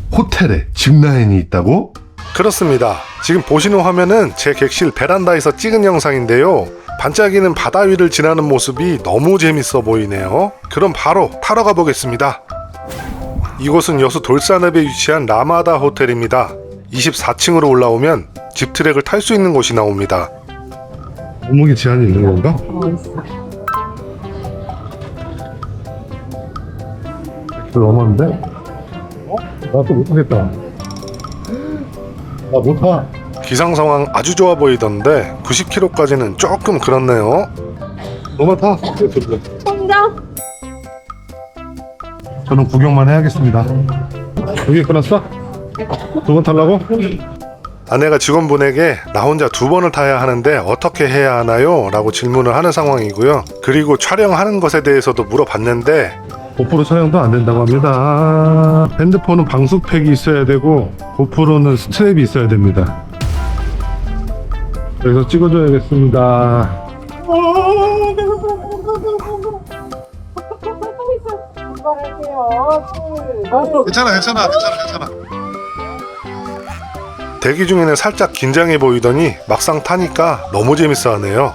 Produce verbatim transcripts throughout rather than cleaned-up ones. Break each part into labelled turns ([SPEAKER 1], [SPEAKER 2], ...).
[SPEAKER 1] 호텔에 짚라인이 있다고?
[SPEAKER 2] 그렇습니다. 지금 보시는 화면은 제 객실 베란다에서 찍은 영상인데요. 반짝이는 바다 위를 지나는 모습이 너무 재밌어 보이네요. 그럼 바로 타러 가보겠습니다. 이곳은 여수 돌산읍에 위치한 라마다 호텔입니다. 이십사 층으로 올라오면 집트랙을 탈 수 있는 곳이 나옵니다.
[SPEAKER 1] 몸무게 제한이 있는 건가?
[SPEAKER 3] 어, 있어.
[SPEAKER 1] 너무한데? 어? 나 또 못하겠다. 나 못하.
[SPEAKER 2] 기상 상황 아주 좋아 보이던데 구십 킬로미터까지는 조금 그렇네요.
[SPEAKER 1] 너만 타.
[SPEAKER 3] 성장.
[SPEAKER 1] 저는 구경만 해야겠습니다. 여기 끊었어? 두 번 타려고?
[SPEAKER 2] 아내가 직원분에게 나 혼자 두 번을 타야 하는데 어떻게 해야 하나요? 라고 질문을 하는 상황이고요. 그리고 촬영하는 것에 대해서도 물어봤는데
[SPEAKER 1] 고프로 촬영도 안 된다고 합니다. 핸드폰은 방수팩이 있어야 되고 고프로는 스트랩이 있어야 됩니다. 그래서 찍어줘야겠습니다. 괜찮아 괜찮아 괜찮아 괜찮아.
[SPEAKER 2] 대기 중에는 살짝 긴장해 보이더니 막상 타니까 너무 재밌어 하네요.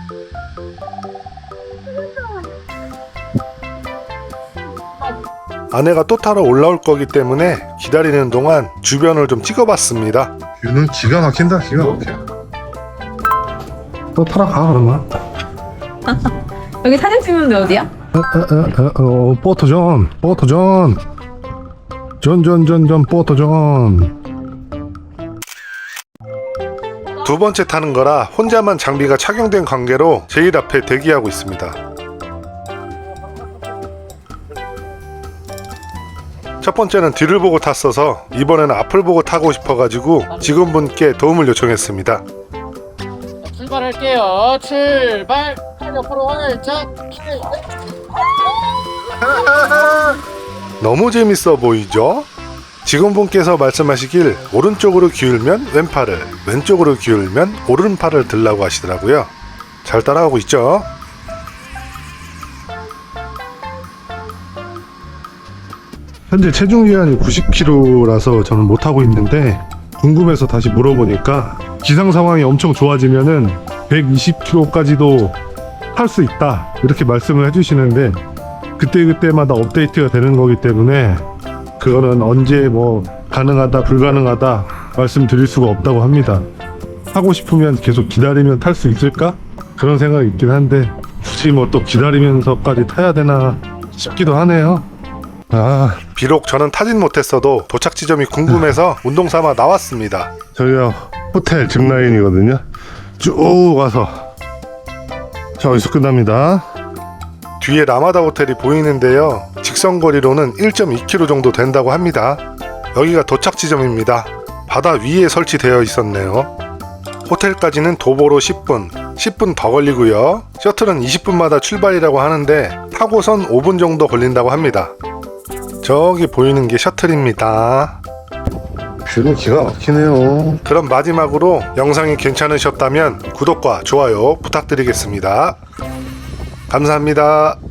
[SPEAKER 2] 아내가 또 타러 올라올 거기 때문에 기다리는 동안 주변을 좀 찍어봤습니다.
[SPEAKER 1] 뷰는 기가 막힌다 기가 막혀. 또 타러 가 그러면.
[SPEAKER 3] 여기 사진 찍는데 어디야?
[SPEAKER 1] 어, 어, 어, 어, 포토존 포토존 존존존존 포토존.
[SPEAKER 2] 두 번째 타는 거라 혼자만 장비가 착용된 관계로 제일 앞에 대기하고 있습니다. 첫 번째는 뒤를 보고 탔어서 이번에는 앞을 보고 타고 싶어가지고 직원분께 도움을 요청했습니다.
[SPEAKER 4] 출발할게요. 출발. 팔 옆으로 활짝.
[SPEAKER 2] 너무 재밌어 보이죠? 직원분께서 말씀하시길 오른쪽으로 기울면 왼팔을, 왼쪽으로 기울면 오른팔을 들라고 하시더라고요. 잘 따라가고 있죠?
[SPEAKER 1] 현재 체중 기한이 구십 킬로그램라서 저는 못하고 있는데 궁금해서 다시 물어보니까 기상 상황이 엄청 좋아지면은 백이십 킬로그램까지도 탈 수 있다 이렇게 말씀을 해주시는데 그때그때마다 업데이트가 되는 거기 때문에 그거는 언제 뭐 가능하다 불가능하다 말씀드릴 수가 없다고 합니다. 하고 싶으면 계속 기다리면 탈 수 있을까? 그런 생각이 있긴 한데 굳이 뭐 또 기다리면서까지 타야 되나 싶기도 하네요. 아,
[SPEAKER 2] 비록 저는 타진 못했어도 도착 지점이 궁금해서 운동 삼아 나왔습니다.
[SPEAKER 1] 저희가 호텔 짚라인이거든요. 쭉 와서 자 여기서 끝납니다.
[SPEAKER 2] 뒤에 라마다 호텔이 보이는데요. 직선거리로는 일 점 이 킬로미터 정도 된다고 합니다. 여기가 도착 지점입니다. 바다 위에 설치되어 있었네요. 호텔까지는 도보로 십 분, 십 분 더 걸리고요. 셔틀은 이십 분마다 출발이라고 하는데 타고선 오 분 정도 걸린다고 합니다. 저기 보이는 게 셔틀입니다.
[SPEAKER 1] 뷰는 기가 막히네요.
[SPEAKER 2] 그럼 마지막으로 영상이 괜찮으셨다면 구독과 좋아요 부탁드리겠습니다. 감사합니다.